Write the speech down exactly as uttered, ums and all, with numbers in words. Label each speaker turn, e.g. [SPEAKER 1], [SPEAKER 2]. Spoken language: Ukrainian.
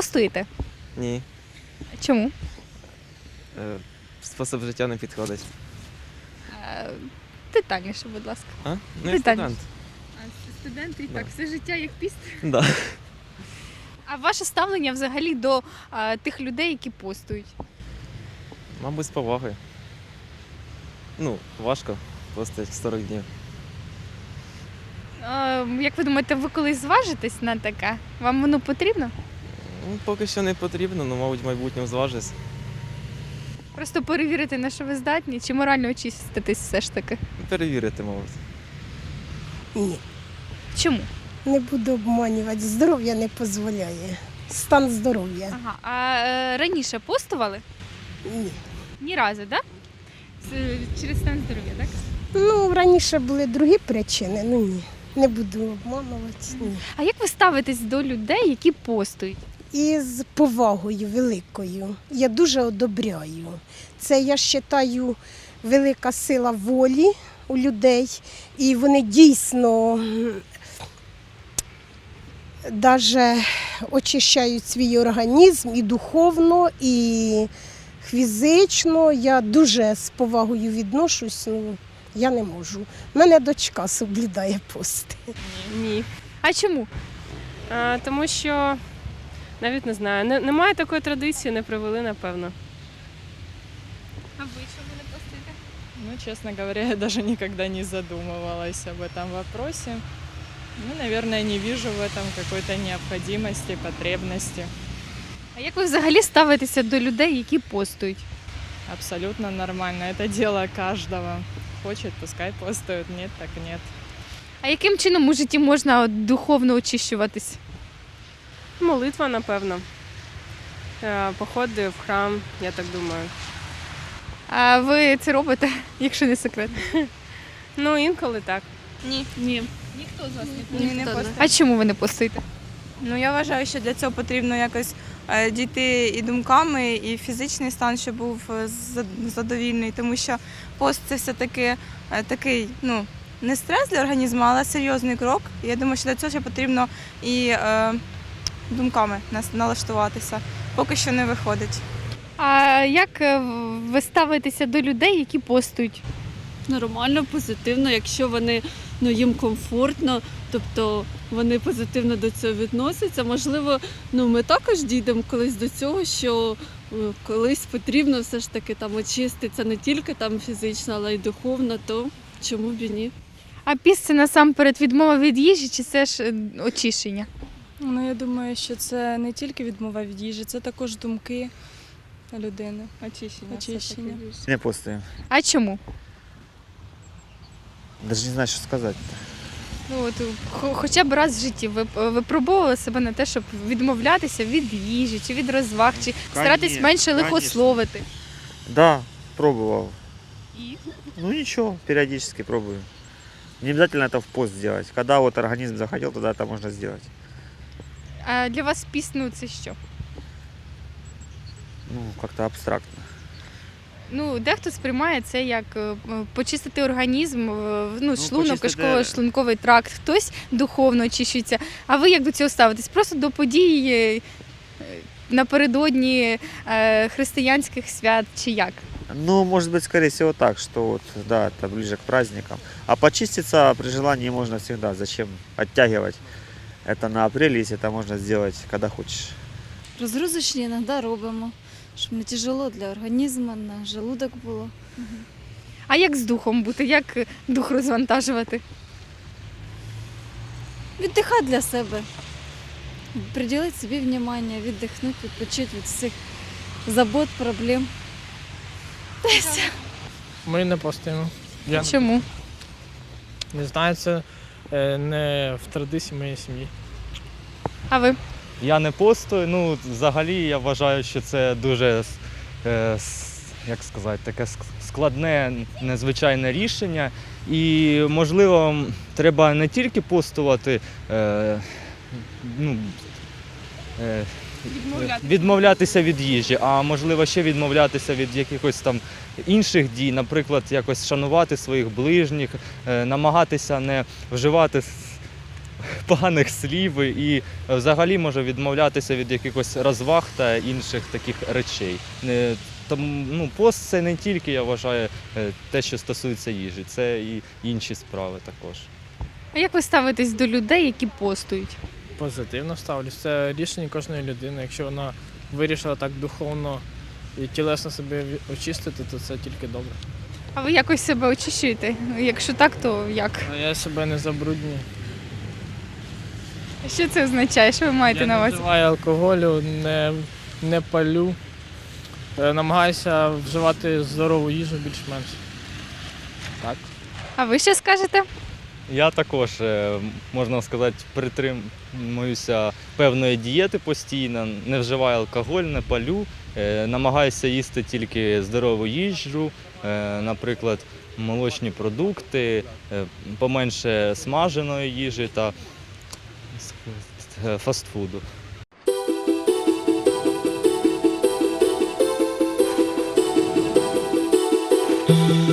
[SPEAKER 1] постуєте?
[SPEAKER 2] Ні.
[SPEAKER 1] Чому?
[SPEAKER 2] Е, Спосіб життя не підходить.
[SPEAKER 1] Е, Детальніше, будь ласка.
[SPEAKER 2] А? Ну, я
[SPEAKER 1] Детальніше.
[SPEAKER 2] студент.
[SPEAKER 1] А студенти і
[SPEAKER 2] Да.
[SPEAKER 1] так, все життя як піст.
[SPEAKER 2] Да.
[SPEAKER 1] А ваше ставлення взагалі до а, тих людей, які постують?
[SPEAKER 2] Мабуть, з повагою. Ну, важко постати сорок днів.
[SPEAKER 1] Е, як ви думаєте, ви колись зважитесь на таке? Вам воно потрібно?
[SPEAKER 2] Ну, поки що не потрібно, але, мабуть, в майбутньому зважусь.
[SPEAKER 1] Просто перевірити, на що ви здатні, чи морально очиститись все ж таки?
[SPEAKER 2] Перевірити, мабуть.
[SPEAKER 3] Ні,
[SPEAKER 1] Чому?
[SPEAKER 3] не буду обманювати. Здоров'я не дозволяє. Стан здоров'я.
[SPEAKER 1] Ага. А е, раніше постували?
[SPEAKER 3] Ні.
[SPEAKER 1] Ні разу, так? Да? Через стан здоров'я, так?
[SPEAKER 3] Ну, раніше були другі причини, ну ні. Не буду обманувати. Ні.
[SPEAKER 1] А як ви ставитесь до людей, які постують?
[SPEAKER 3] І з повагою великою. Я дуже одобряю. Це, я вважаю, велика сила волі у людей. І вони дійсно навіть очищають свій організм і духовно, і фізично. Я дуже з повагою відношусь, ну, я не можу. У мене дочка соблюдає пости.
[SPEAKER 4] Ні.
[SPEAKER 1] А чому?
[SPEAKER 4] А, тому що навіть не знаю, не, немає такої традиції, не привели, напевно.
[SPEAKER 1] А ви чому не постуєте?
[SPEAKER 5] Ну, честно говоря, я даже никогда не задумывалась об этом вопросе. Ну, наверное, не вижу в этом какой-то необходимости, потребности.
[SPEAKER 1] А як ви взагалі ставитеся до людей, які постують?
[SPEAKER 5] Абсолютно нормально. Это дело каждого. Хочет, пускай постует, нет, так нет.
[SPEAKER 1] А яким чином у житті можна от, духовно очищуватись?
[SPEAKER 4] Молитва, напевно. Е, Походи в храм, я так думаю.
[SPEAKER 1] А ви це робите, якщо не секрет?
[SPEAKER 4] Ну, інколи так.
[SPEAKER 6] Ні.
[SPEAKER 1] Ні. Ніхто з вас не
[SPEAKER 6] Ні, не постує.
[SPEAKER 1] А чому ви не постуєте?
[SPEAKER 6] Ну я вважаю, що для цього потрібно якось е, дійти і думками, і фізичний стан, щоб був е, зад- задовільний, тому що пост це все-таки е, такий, ну, не стрес для організму, але серйозний крок. І я думаю, що для цього ще потрібно і е, думками нас- налаштуватися. Поки що не виходить.
[SPEAKER 1] А як е, ви ставитеся до людей, які постують?
[SPEAKER 7] Нормально, позитивно, якщо вони, ну, їм комфортно, тобто вони позитивно до цього відносяться. Можливо, ну, ми також дійдемо колись до цього, що е, колись потрібно все ж таки там очиститися не тільки там фізично, але й духовно, то чому б і ні?
[SPEAKER 1] А піст це насамперед відмова від їжі, чи це ж е, очищення?
[SPEAKER 8] Ну, я думаю, що це не тільки відмова від їжі, це також думки людини.
[SPEAKER 5] Очищение.
[SPEAKER 8] Очищення.
[SPEAKER 9] Не постуем.
[SPEAKER 1] А чому?
[SPEAKER 9] Даже не знаю, что сказать.
[SPEAKER 1] Ну, от, хо- хоча б раз в житті ви е, випробовували себе на те, щоб відмовлятися від їжі, чи від розваг, чи старатись
[SPEAKER 9] Конечно,
[SPEAKER 1] менше
[SPEAKER 9] конечно.
[SPEAKER 1] лихословити.
[SPEAKER 9] Да, пробовал.
[SPEAKER 1] И?
[SPEAKER 9] Ну ничего, периодически пробую. Не обязательно это в пост делать. Когда вот организм захотел, тогда это можно сделать.
[SPEAKER 1] А для вас піст, ну це що?
[SPEAKER 9] Ну, как-то абстрактно.
[SPEAKER 1] Ну, дехто сприймає це як е, почистити організм, е, ну, шлунок,
[SPEAKER 9] почистити-
[SPEAKER 1] кишково-шлунковий тракт, хтось духовно очищується. А ви як до цього ставитесь? Просто до подій е, напередодні е, християнських свят чи як?
[SPEAKER 9] Ну, может быть, скорее всего так, что вот, да, это ближе к праздникам. А почиститься при желании можно всегда. Зачем оттягивать это на апрель, если это можно сделать, когда хочешь.
[SPEAKER 7] Розгрузочні іноді робимо, щоб не тяжело для організму, на желудок було.
[SPEAKER 1] А як з духом бути? Як дух розвантажувати?
[SPEAKER 7] Віддихати для себе, приділити собі внимання, віддихнути, відпочити від всіх забот, проблем. Та й все.
[SPEAKER 10] Ми не постуємо. Я
[SPEAKER 1] Чому?
[SPEAKER 10] не знаю, це е, не в традиції моєї сім'ї.
[SPEAKER 1] А ви?
[SPEAKER 11] Я не постую. Ну, взагалі, я вважаю, що це дуже, е, с- як сказати, таке ск- складне, незвичайне рішення. І, можливо, м, треба не тільки постувати, е, ну, е, відмовлятися від їжі, а можливо ще відмовлятися від якихось там інших дій, наприклад, якось шанувати своїх ближніх, е, намагатися не вживати с- поганих слів і взагалі може відмовлятися від якихось розваг та інших таких речей. Не- Тому ну, пост це не тільки, я вважаю, е, те, що стосується їжі, це і інші справи також.
[SPEAKER 1] А як ви ставитесь до людей, які постують?
[SPEAKER 10] Позитивно ставлюсь. Це рішення кожної людини. Якщо вона вирішила так духовно і тілесно себе ві- очистити, то це тільки добре.
[SPEAKER 1] А ви якось себе очищуєте? Якщо так, то як?
[SPEAKER 10] А я себе не забруднюю.
[SPEAKER 1] Що це означає? Що ви маєте
[SPEAKER 10] Я
[SPEAKER 1] на
[SPEAKER 10] не
[SPEAKER 1] увазі?
[SPEAKER 10] вживаю алкоголю, не, не палю. Е, Намагаюся вживати здорову їжу більш-менш. Так.
[SPEAKER 1] А ви що скажете?
[SPEAKER 11] Я також, е, можна сказати, притримуюся певної дієти постійно, не вживаю алкоголь, не палю, е, намагаюся їсти тільки здорову їжу, е, наприклад, молочні продукти, е, поменше смаженої їжі та е, фастфуду.
[SPEAKER 12] Thank you.